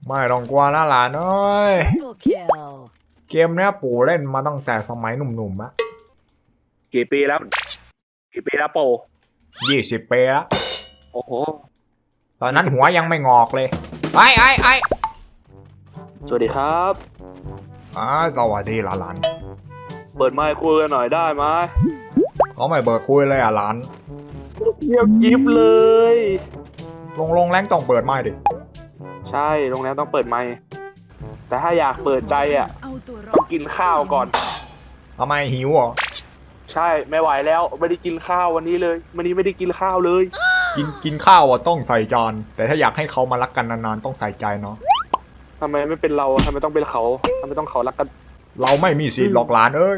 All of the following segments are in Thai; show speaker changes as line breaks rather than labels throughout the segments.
ไม่ต้องกลัวนะหลานเอ้ย
Double kill.
เกมเนี้ยปู่เล่นมาตั้งแต่สมัยหนุ่มๆอะ
กี่ปีแล้วโป
20 ปีแล้ว
โอ้โห
ตอนนั้นหัวยังไม่งอกเลยไอ
สวัสดีครับ
สวัสดีหลาน
เปิดไมค์คุยกันหน่อยได้ไหม
เขาไม่เบิดคุยเลยหลาน
เงียบยิบเลย
ลงแรงต้องเปิดไม้ดิ
ใช่โรงแรมต้องเปิดไมค์แต่ถ้าอยากเปิดใจอ่ะต้องกินข้าวก่อน
ทำไมหิวเหรอ
ใช่ไม่ไหวแล้วไม่ได้กินข้าววันนี้เลยวันนี้ไม่ได้กินข้าวเลย
กินข้าวอ่ะต้องใส่จานแต่ถ้าอยากให้เขามารักกันนานๆต้องใส่ใจเนาะ
ทำไมไม่เป็นเราทำไมต้องเป็นเขาทำไมต้องเขารักกัน
เราไม่มีสิทธิ์หลอกหลานเอ้ย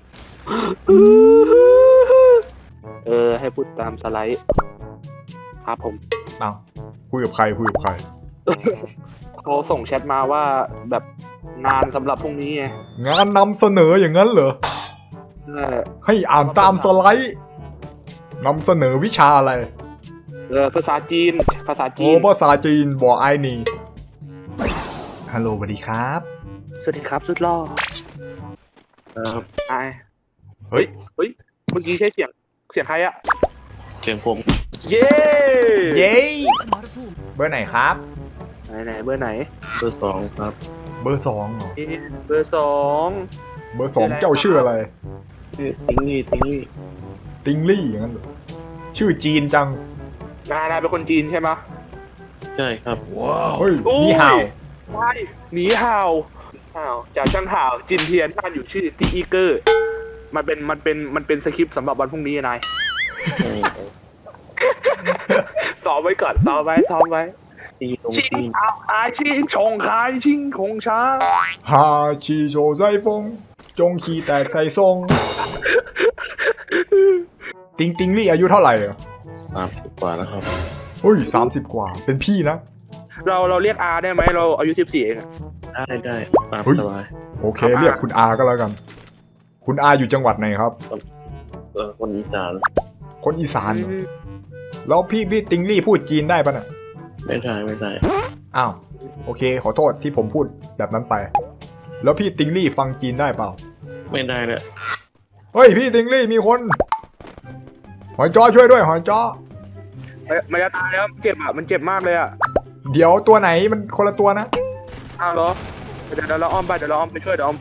ให้พูดตามสไลด์ครับผม
เอาคุยกับใคร
เขาส่งแชทมาว่าแบบงานสำหรับพรุ่งนี้ไง
งานนำเสนออย่างนั้นเหรอ ให้อ่านตามสไลด์นำเสนอวิชาอะไร
ภาษาจีน
ภาษาจีนบอกไอ้นี่ฮัลโหลสวัสดีครับ
สวัสดีครับสุดหล่อไอ
เฮ้ย
เมื่อกี้ใช้เสียงใครอะ
เสียงผม
เย้
เย้เบอร์ไหนครับ
ไหนเบอร์ไหน
เบอร์ 2ครับ
เบอร์2เหรอ
เบอร์ 2
เบอร์2เจ้าชื่ออะไร
ชื่อติงลี่
ติงลี่อย่างนั้นเหรอชื่อจีนจัง
นายเป็นคนจีนใช่ไหม
ใช่ครับ
เฮ้ย
อุ้ย
นี่ห่าว
ใช่หนีห่าวจากช่างห่าวจินเทียนท่านอยู่ชื่อตีอีเกอร์มันเป็นสคริปต์สำหรับวันพรุ่งนี้นายซ้อมไว้ก่อนซ้อมไว้
ตีตรง
ชิง
ตีน
เอาคายชิงชงคายชิงคงช้า
ฮาชีโชไซฟงจงขี้แตกใส่ทรงติงลี่อายุเท่าไหร่อ่ะ
30 กว่าแล้วครับ
เฮ้ย30 กว่าเป็นพี่นะ
เราเรียกอาได้ไหมเราอายุ14เองอะ
ได้ตาม
เฮ้ย
สบาย
โอเคเรียกคุณอาก็แล้วกัน คุณอาอยู่จังหวัดไหนครับ
คนอีสาน
คนอีสานเหรอแล้วพี่ติงลี่พูดจีนได้ปะน่ะ
ไม่ได้
อ้าวโอเคขอโทษที่ผมพูดแบบนั้นไป แล้วพี่ติงลี่ฟังจีนได้เปล่า
ไม่ได้เลย
เฮ้ยพี่ติงลี่มีคนหอยจ้อช่วยด้วยหอยจ้อ
มันจะตายแล้วเจ็บอ่ะมันเจ็บมากเลยอ่ะ
เดี๋ยวตัวไหนมันคนละตัวนะ
อ้าวเหรอเดี๋ยวเราอ้อมไปช่วยเรา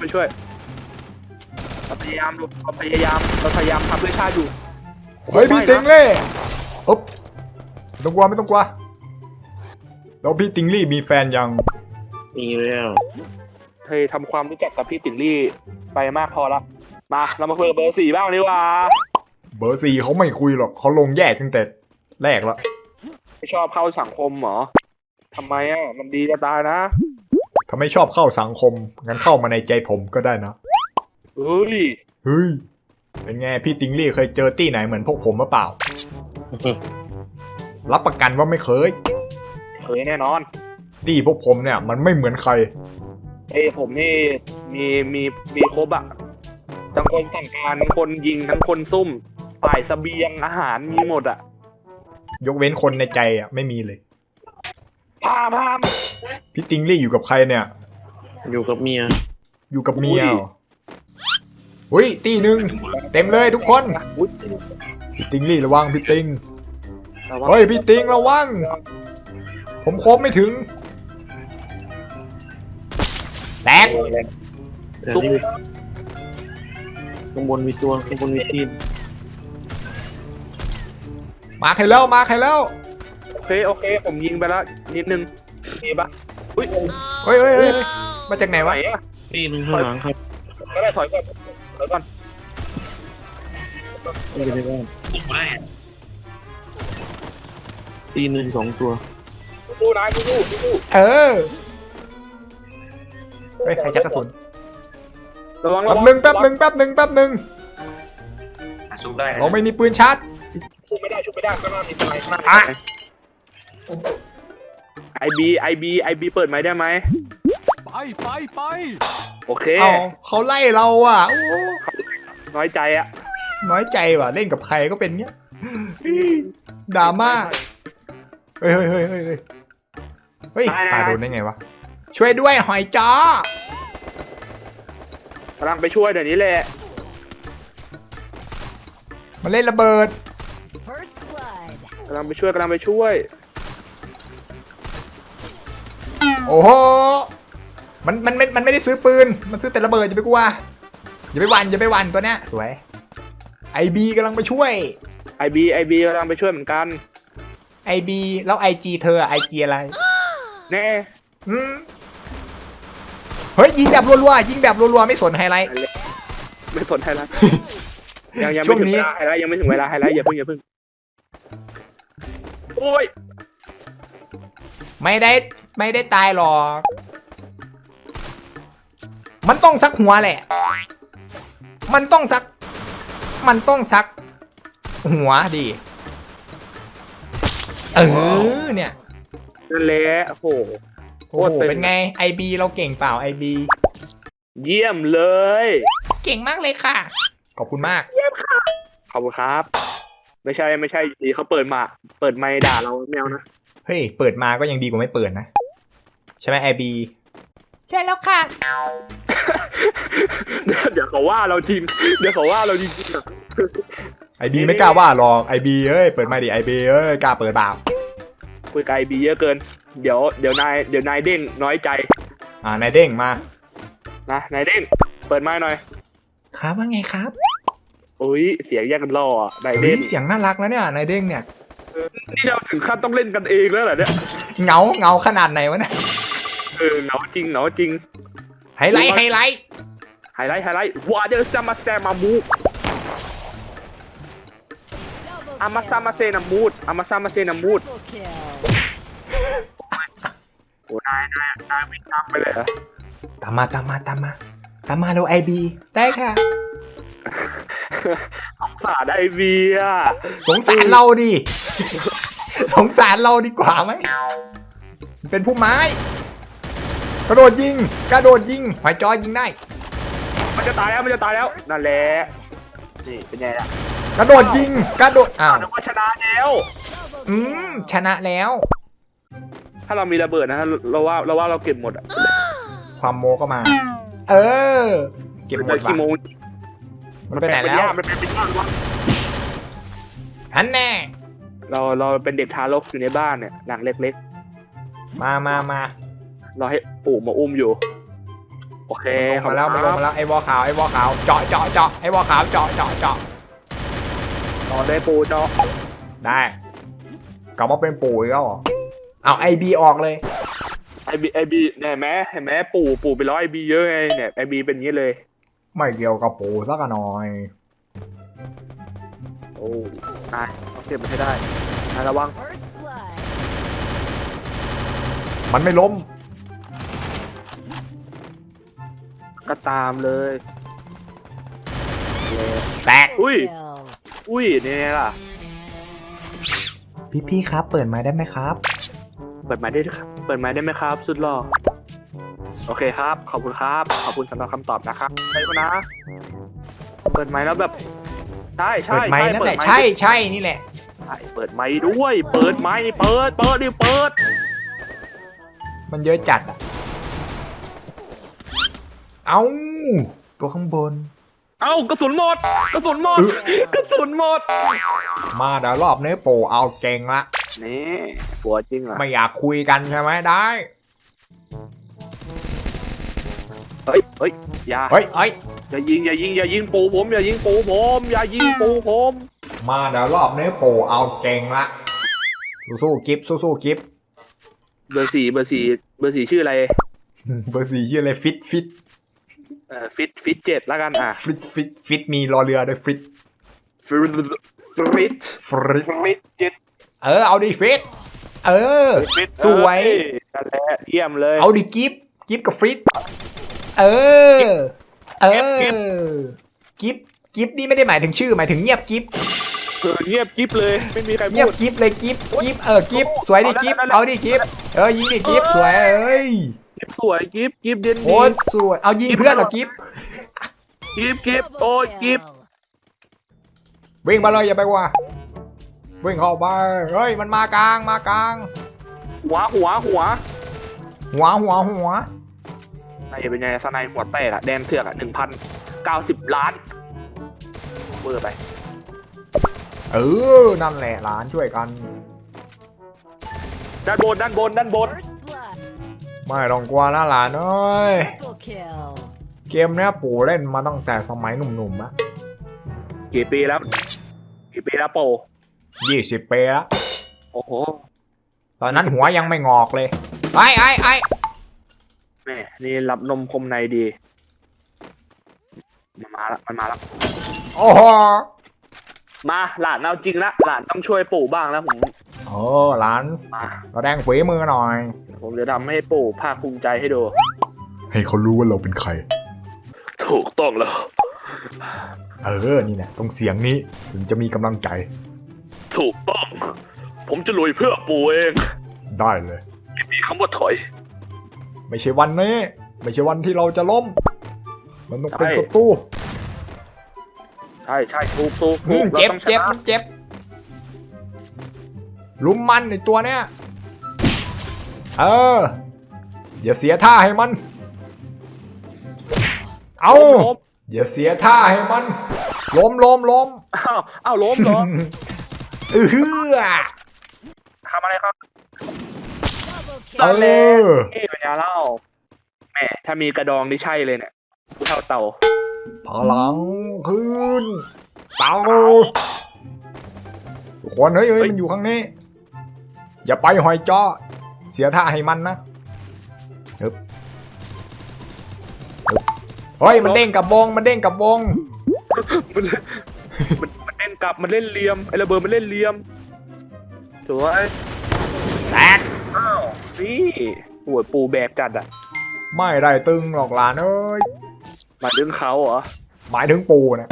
พยายามทำเพื่อชาติอยู่
เฮ้ยพี่ติงลี่อ๊บไม่ต้องกลัวแล้วพี่ติงลี่มีแฟนยัง
มีแล้ว
เฮ้ยทำความรู้จักกับพี่ติ๋งลี่ไปมากพอละมาเรามาคุยกับเบอร์ 4บ้างดีกว่า
เบอร์4เขาไม่คุยหรอกเขาลงแยกตั้งแต่แรกแล้ว
ไม่ชอบเข้าสังคมเหรอทำไมอ่ะมันดีจะตายนะ
ถ้าไม่ชอบเข้าสังคมงั้นเข้ามาในใจผมก็ได้นะ
เฮ้ย
เฮ้ยเป็นไงพี่ติงลี่เคยเจอตี้ไหนเหมือนพวกผมหรือเปล่า รับประกันว่าไม่เคย
แน่นอน
ตี้พวกผมเนี่ยมันไม่เหมือนใคร
ผมนี่มีครบอ่ะทั้งคนสั่งการทั้งคนยิงทั้งคนซุ่มฝ่ายเสบียงอาหารมีหมดอ่ะ
ยกเว้นคนในใจอ่ะไม่มีเลย
พาม
พี่ติงลี่อยู่กับใครเนี่ย
อยู่กับเมีย
อยู่กับเมียเหรออุ้ยตีหนึ่งเต็มเลยทุกคน
อุ๊ย
พี่ติงลี่ระวังพี่ติง
ระวัง
เฮ้ยพี่ติงระวังผมครบไม่ถึงแตก
แต่นี่ข้างบนมีตัวข้างบนมีตีน
มาใครแล้ว
โอเคผมยิงไปแล้วนิดนึงมีปะอุ้ย
เฮ้ยมาจากไหน
ไหว
วะ
อ่ะ
ตีนข้างหลังครับ
ก็ได้ถอยก่อน
ไม่ได้บ้านตีน2 ตัว
สู้นายสู้
เออเฮ้ยใครชักกระสุน
ระวัง
แป๊บหนึ่ง
สู้ได้
เราไม่มีปืนชาร์จ
ชุบไม่ได้ข้างหน้ามีอะไรข้างหน้า
อ่ะ
ไอบีเปิดไหมได้ไหมไปโอเค
เอาเขาไล่เราอ่ะโอ้
น้อยใจอ่ะ
น้อยใจว่ะเล่นกับใครก็เป็นเงี้ยดราม่าเฮ้ยตาโดนได้ไงวะช่วยด้วยหอยจ้อก
ำลังไปช่วยเดี๋ยวนี้แหละ
มาเล่นระเบิด
First blood.
กำลังไปช่วยกำลังไปช่วย
โอ้โหมันไม่ได้ซื้อปืนมันซื้อแต่ระเบิดอย่าไปกลัวอย่าไปหวันตัวเนี้ยสวยไอบีกำลังไปช่วย
ไอบีกำลังไปช่วยเหมือนกัน
ไอบีแล้วไอจีเธอไอจีอะไร
แน่
เฮ้ยยิงแบบรัวๆยิงแบบรัวๆไม่สนไฮไลท์
ไม่สนไฮไลท์ยัง
ช่
ไม่
วง
ถึง
นี้
เวลาไฮไลท์ยังไม่ถึงเวลาไฮไลท์อย่าเพิ่งโอ้ย
ไม่ได้ตายหรอกมันต้องซักหัวแหละ มันต้องซักหัวดิเนี่ย
นั่นแหละโอ้โห
โอ้โหเป็นไงไอบีเราเก่งเปล่าไอบี
เยี่ยมเลย
เก่งมากเลยค่ะขอบคุณมาก
ขอบคุณครับ ไม่ใช่ดีเขาเปิดไมค์ด่าเราแมวนะ
เฮ้ยเปิดมาก็ยังดีกว่าไม่เปิดนะใช่ไหมไอบีใช่แล้วค่ะ
เดี๋ยวเขาว่าเราจริง
ไอบีไม่กล้าว่าหรอกไอบีเอ้ยเปิดมาดิไอบีเอ้ยกล้าเปิดเปล่า
คุยกับไอบีเยอะเกินเดี๋ยวนายเด้งน้อยใจ
นายเด้งมา
นะนายเด้งเปิดไมค์หน่อย
ครับว่าไงครับ
อุ้ยเสียงแยกกันล่ออ่ะนาย
เฮ้
เด้
ย
ง
เสียงน่ารักนะเนี่ยนายเด้งเนี่ย
นี่เราถึงขั้นต้องเล่นกันเองแล้วเหรอเนี่ย
เงาขนาดไหนวะเนี่ย
เหนาจริง
ไฮไลท์
ไฮไลท์วาเดอร์ซามาแซมามู
Double
อามาซามาเซนามูด
Triple kill.
โอ้นายวิ่งตามไปเลยเหรอ
ตามมาเร็วไอบีได้ค่ะ
สงสารไอบีอ่ะ
สงสารเราดิ สงสารเราดีกว่าไหมเป็นผู้ไม้กระโดดยิงหอยจอยิงได้
มันจะตายแล้วนั่นแหละนี่เป็นไงล่ะ
กระโดดยิงอ้าว
นึกว่าชนะแล้ว
Double
ชนะแล้ว
ถ้าเรามีระเบิดนะเราว่าเราเก็บหมดอ่ะ
ความโมก็มา เออ เก็บหมด
ขี้โม
ว่ะมันไปไหนแล้ว
มันเป็นย่างวะ
ฮันแน่
เราเป็นเด็กทารกอยู่ในบ้านเนี่ยหลังเล็ก
มา
ๆเราให้ปู่มาอุ้มอยู่โอเค
มันลงมาแล้วไอ้วอขาวเจาะไอ้วอขาวเจาะ
ต่อได้ปู่เจาะ
ได้กลับมาเป็นปู่อีกแล้วเหรอเอาไอบีออกเลย
ไอบีเนี่ยเห็นไหมปู่ไปร้อยไอบีเยอะไงเนี่ยไอบีเป็นอย่างนี้เลย
ไม่เกี่ยวกับปู่สักหน่อย
โอ้นายต้องเก็บมันให้ได้นายระวัง
First blood.
มันไม่ล้ม
ก็ตามเลย
แตก
อุ้ย
Kill.
เนี่ยล่ะ
พี่ครับเปิดมาได้ไหมครับ
เปิดไม้ได้ไหมครับ สุดหล่อโอเคครับ ขอบคุณครับขอบคุณสำหรับคำตอบนะครับใช่ปะนะเปิดไม้แล้วแบบใช่
เปิดไม้นั่นแหละใช่นี่แหละ
เปิดไม้ด้วยเปิดไม้เปิดดิ
มันเยอะจัดอ่ะ เอาตัวข้างบน
เอ้ากระสุนหมด
มาเดี๋ยวรอบนี้ปู่เอาเก่งละ
นี่ปัวจริงเหรอ
ไม่อยากคุยกันใช่ไหมได้
เฮ้ยอย่า
เฮ้ย
อย่ายิงปูผมอย่ายิงปูผม
มาเดี๋ยวรอบนี้ปู่เอาเก่งละสู้ๆกิฟสู้ๆกิฟ
เบอร์สี่ชื่ออะไร
เบอร์4ชื่ออะไรฟิต
ฟิต7แล้วกันอ่ะ
ฟิตมีรอเรือด้วยฟิต
ฟิต7
เอาดิฟิตสวย
นั่นแหละเยี่ยมเลย
เอาดิกิฟกับฟิตกิฟนี่ไม่ได้หมายถึงชื่อหมายถึงเงียบกิฟ
เงียบกิ๊บเลยไม่มีใคร
เงีย
พู
บ
ด
กิฟเลยกิฟกิฟสวยดิกิฟเอาดิกิฟยิงดิกิฟสวย
กิ๊บสวยกิ๊บเด่นดี
โอ้สวยเอายิงเพื่อนเหรอกิฟ
กิ๊บ
Double
โอ้ย
kill.
กิ๊บ
วิ่งมาเลยอย่าไปว่าวิ่งเข้าไปเฮ้ยมันมากลาง
หัว
หัว
นายเป็นไงสไนหัวแตกอะแดนเถือกอะ1,090 ล้านเบอร์ไป
เออ นั่นแหละหลานช่วยกัน
ด้านบน
First blood.
ไม่ต้องกลัวนะหลานเอ้ย
Triple kill.
เกมเนี้ยปู่เล่นมาตั้งแต่สมัยหนุ่มๆอะ
กี่ปีแล้วโป
20 ปีแล้ว
โอ้โห
ตอนนั้นหัวยังไม่งอกเลย ไอ้
แม่นี่รับนมคมในดีมันมาละ
โอ้โห
มาหลานเอาจริงละหลานต้องช่วยปู่บ้างแล้วผม
โอ้หลาน
มา
แสดงฝีมือหน่อย
ผมจะทำให้ปู่ภาคภูมิใจให้ดู
ให้เขารู้ว่าเราเป็นใคร
ถูกต้องแล้ว
นี่แหละตรงเสียงนี้ถึงจะมีกำลังใจ
ถูกต้อง ผมจะลุยเพื่อปู่เอง
ได้เลย
ไม่มีคำว่าถอย
ไม่ใช่วันนี้ ไม่ใช่วันที่เราจะล้ม มันต้องเป็น
ใช่
ศัตรู
ใช่ถูก
เจ็บ
ราต้องช
เจ็บ
นะ
มันเจ็บลุมมันในตัวเนี้ยอย่าเสียท่าให้มัน เอา
ล้ม
อย่าเสียท่าให้มัน ล้ม
อ้าวล้มเหรอ
เออ
ทำอะไรครับ
Double
เอ
kill.
อ
เป็นยาเล่าแหม่ถ้ามีกระดองนี่ใช่เลยเนี่ยเท่าเต่า
พลังขึ้นเต่าทุกคนเฮ้ยมันอยู่ข้างนี้ อย่าไปหอยจ้อเสียท่าให้มันนะฮึบเฮ้ยมันเด้งกับวงมันเด้งกับวง
มันเล่นกลับมันเล่นเหลี่ยมไอ้ระเบิดมันเล่นเหลี่ยมสวย
แตก
อ้าวนี่หัวปูแบกจัดอ่ะ
ไม่ได้ตึงหรอกหลานเอ้ย
มาดึงเขาเหรอ
หมายถึงปูนะ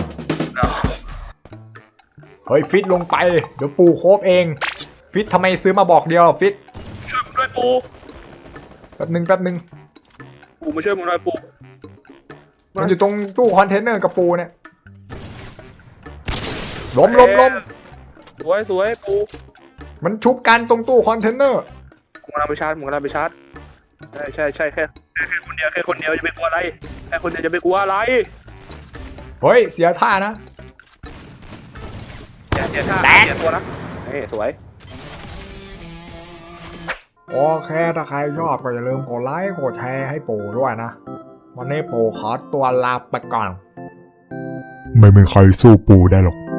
เฮ้ยฟิตลงไปเดี๋ยวปูโคบเอง ฟิตทำไมซื้อมาบอกเดียวฟิต
ช่วยผมด้วยปู
แป๊บนึง
ปูมาช่วยผมหน่อยปู
มันอยู่ตรงตู้คอนเทนเนอร์กับปูเนี่ยล้ม
สวยปู
มันชุบกันตรงตู้คอนเทนเนอร์
ผมกำลังไปชาร์จใช่แค่คนเดียวจะไปกลัวอะไรแค่คนเดียวจะไปกลัวอะไร
เฮ้ยเสียท่านะ
เสียท่า
แตก
เสียตัวนะสวย
โอเคถ้าใครชอบก็อย่าลืมกดไลค์กดแชร์ให้ปูด้วยนะ วันนี้ปูขอตัวลาไปก่อน ไม่มีใครสู้ปูได้หรอก